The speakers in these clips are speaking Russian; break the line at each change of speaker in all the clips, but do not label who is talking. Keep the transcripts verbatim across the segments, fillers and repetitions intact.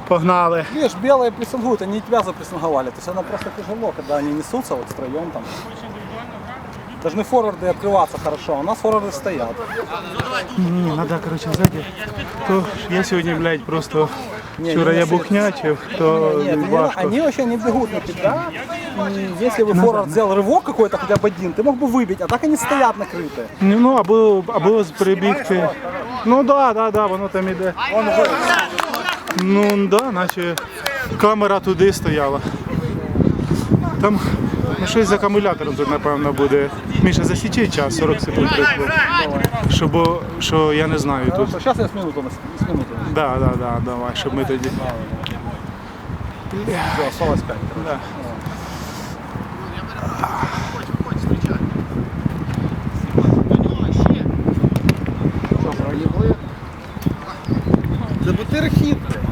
Погнали.
Видишь, белые прессингуют, они тебя запрессинговали. То есть оно просто тяжело, когда они несутся вот втроем там. Должны форварды открываться хорошо, у нас форварды стоят.
Не, надо, короче, сзади. То я сегодня, блядь, просто
Не,
вчера
не,
я
не,
бухнячив, то
Нет, они,
важко.
они вообще не бегут на тебя. И если бы форвард сделал рывок какой-то, хотя бы один, ты мог бы выбить, а так они стоят накрытые.
Ну, або, або прибігти. Ну да, да, да, воно там іде. Ну да, наче камера туди стояла. Там ну, щось з акумулятором тут, напевно, буде. Міша, засічи час, сорок секунд прийшло. Щоб, що я не знаю тут.
Хорошо, сейчас я с минуту, с минуту.
Да, да, да, давай, щоб ми тоді.
Все, осталось пять.
Да.
Да бутыр хитрый.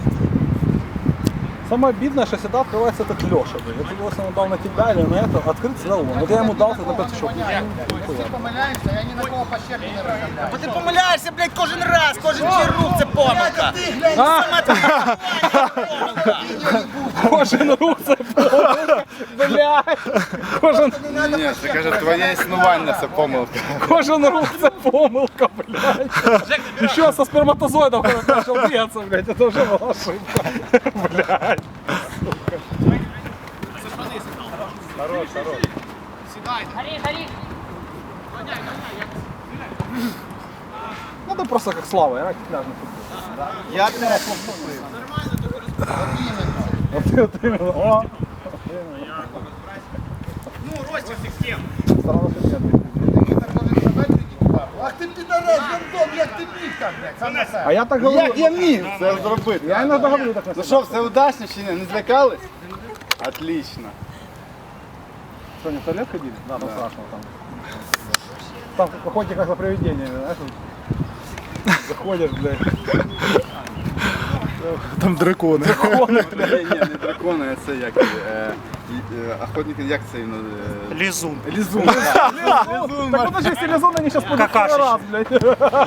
Самое обидное, что всегда открывается этот Леша. Вот его, если он дал на тебя или на это, открыть всегда он. Вот я ему дал, ты на пять еще.
Ти помиляєшся, я ні на кого по щеку не розглядаю. Бо ти помиляєшся, блядь, кожен раз, кожен твій рух це помилка. Сама твоя помилка.
Кожен рух це помилка. Блядь. Кожен...
Ні, це каже, твоє існування це помилка.
Кожен рух це помилка, блядь. Еще со сперматозоидом, когда начал бьется, блядь, это уже была ошибка. Блядь. Хорош, хорош.
Гори, гори.
Надо просто как Слава, играть в пляжный футбол.
Я тебе
Вот ты вот именно. О.
Ну, Ростик систем.
Старался нет.
Ах ти підарас, гандон, як ти міг так, блядь, сам на себе.
А я так говорю.
Як я міг це зробити?
Я иногда говорю так.
Ну що, все удачно чи ні? Не злякались? Отлично.
Что, не в туалет ходили? Да, там страшно там. Там ходите как за привидениями, знаешь? вот. Заходишь, блядь.
Там дракони.
Драконы,
Ні, ні, не дракони, а це як. е, е, Охотники, як це він? е,
Лізун.
Лізун.
Так подожди, если лизун, они сейчас пойдут второй раз, блядь.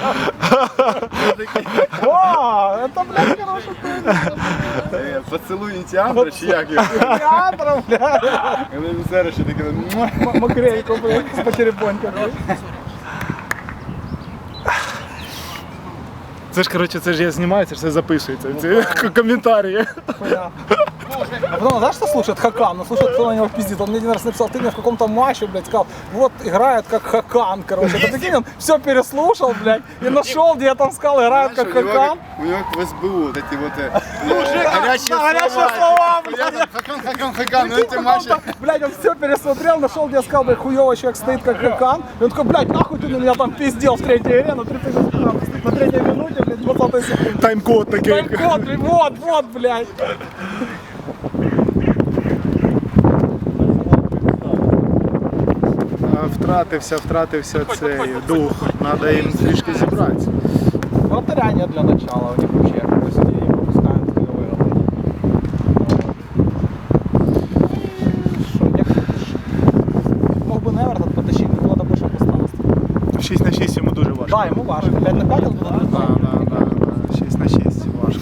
О, это, блядь, хороший
Е, Поцілуй ініціатора чи як його?
театр, блядь.
Коли він зараз ще таке. «Муа».
М- Макрейку, блядь, с потеребонькой.
Це ж, коротше, це ж я знімаю, це ж все записується. Це коментарі.
А потом, знаешь, что слушает Хакан? Ну, слушает, кто на него пиздит. Он мне один раз написал, ты мне в каком-то матче, блядь, сказал, вот играет как Хакан, короче. Ты прикинь, он все переслушал, блядь, и нашел, где я там сказал, играет как
Знаєш, у нього
Хакан.
як- У нього як в ес бе у, от ці вот е, е, гарячі
Горячие
слова.
слова,
типу,
блядь.
я там Хакан, Хакан, Хакан, ну
Прикинь,
ці
в
матчі.
каком-то, блядь, он все пересмотрел, нашел, где я сказал, блядь, хуёвый человек стоит как Хакан. И он такой, блядь, нахуй ты на меня там пиздел в третьей игре, на третьей, на третьей минуте, блядь, двадцатой секунде.
Тайм-код такий.
Тайм-код, блядь, вот, вот, блядь.
А, Втратився, втратився цей дух. Треба їм трішки зібратися.
Вратаря нет для начала у них вообще. То есть они не пропускают голевые работы. Что, я мог бы Невертон потащить, но было больше пространства.
шість на шість йому дуже важко.
Да, ему важно. пять на пять он будет
Да, да, да, да. шість на шість важко.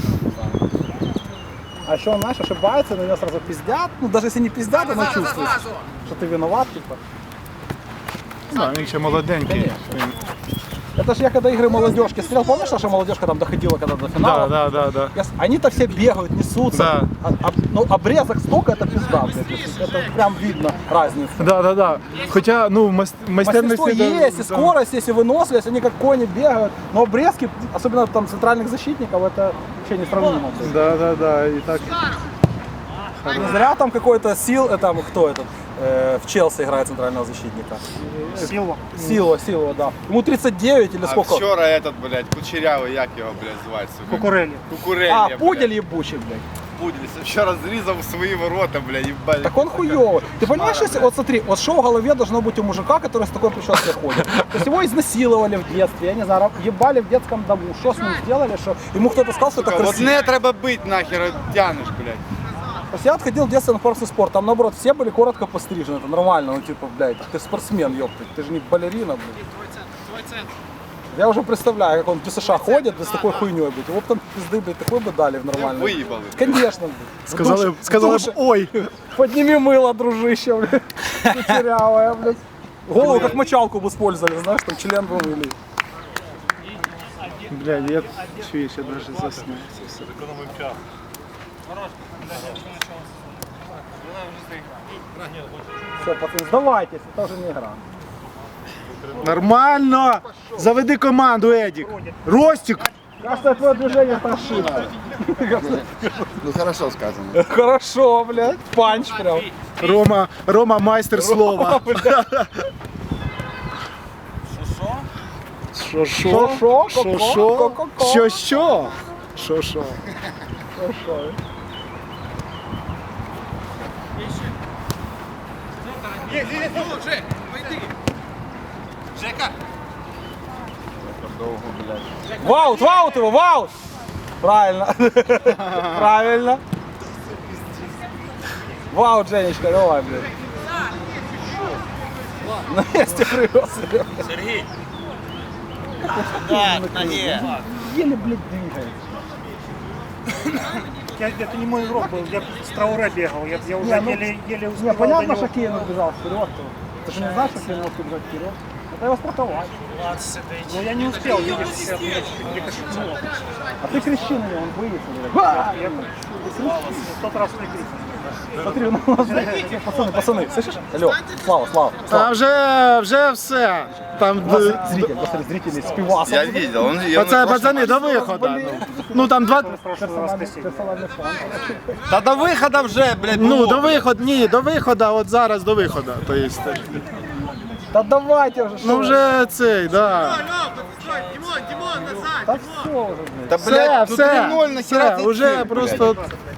А еще он, знаешь, ошибается, на него сразу пиздят. Ну, даже если не пиздят, оно чувствуется, что ты виноват, типа.
Да, він ще молоденький.
Это же я когда игры молодежки смотрел, помнишь, наша молодежка там доходила когда до
Да,
финала?
да, да, да.
Я с- Они-то все бегают, несутся.
Да.
А, а- ну, обрезок столько, это пизда, блядь. Это прям видно разницу.
Да, да, да. Хоча, ну, мас-
Мастерство
майстерності... да,
есть, и
да.
скорость есть, и выносливость, они как кони бегают. Но обрезки, особенно там центральных защитников, это вообще несравнимо.
Да, да, да. І так.
Не зря там какой-то сил, э, там кто этот, э, в Челси играет центрального защитника.
Сіло.
Сила, Сила, да. Ему тридцать девять или
А
сколько?
вчора этот, блядь, кучерявий, як його, блядь, звати, сука?
Кукурелі.
Кукурелля,
А,
блядь.
пудель ебучий, блядь.
Пудель. Вчора зрізав свої ворота, блядь, їбать.
Так он хуёвый. Ты понимаешь, если, вот смотри, вот что в голове должно быть у мужика, который с такой прической ходит? То есть его изнасиловали в детстве, я не знаю, ебали в детском дому. Что с ним сделали, что ему кто-то сказал, что это
Сука,
красиво.
одне треба бить, нахер тянеш, блядь.
То есть я отходил в детстве на парусный спорт, там наоборот все были коротко пострижены, это нормально, ну типа, блядь, ты спортсмен, ёптать, ты же не балерина, блядь. Я уже представляю, как он в ДСШ ходит, с такой хуйней, блядь. Его б там пизды, блядь, такой бы дали в нормальный.
Виїбали.
Конечно, блядь.
Сказали,
Душ-
сказали б,
душ-
ой.
Подними мыло, дружище, блядь. Кучерявая, блядь. Голову как мочалку бы использовали, знаешь, там член бы мыли.
Бля, я чуєш, я даже заснув. Це все.
Все, пацаны, сдавайтесь, это уже не игра.
Нормально! Заведи команду, Едік. Ростик!
Кажется, твое движение прошито.
Ну хорошо сказано.
Хорошо, блядь. Панч прям.
Рома, Рома майстер слова. Що що?
Шо-шо?
Що
Ко-ко?
що?
Ко-ко-ко?
Що що? Що що?
Хорошо. Ваут, ваут его, ваут! Правильно. Правильно. Ваут, Женечка, давай, блядь. На месте привез.
Сергій. Да, на ноге.
Еле, блядь, двигается.
Я, это не мой игрок был, я с Трауре бегал, я, я уже
Не, ну,
еле, еле успел
Не, понятно,
до
что
него.
Кейн убежал вперед. Ты же не знаешь, что Кейн может убежать вперед? Это его страховать.
Но я не успел, видишь, я мяч прикоснулся.
А ты кричи на него, он боится.
Я, я в тот раз не крикнул.
Смотри, ну, у нас, пацаны, пацаны, слышишь? Алло, Слава, Слава,
А
Слава.
вже, вже все. Там
У нас
д-
зритель, посмотри, зрители с пивасом.
Я видел, он... я
пацани,
на прошлом
пацани, до виходу. Ну там два.
Персональный, персональный фон.
Та до виходу вже, блядь,
Ну, до виходу, ні, до виходу, от зараз до виходу. То есть,
Да давайте уже,
ну вже цей, да.
Да все уже, блядь.
Та,
Все,
блядь, тут
все,
три ноль, нахера
все,
ти
уже
цим,
просто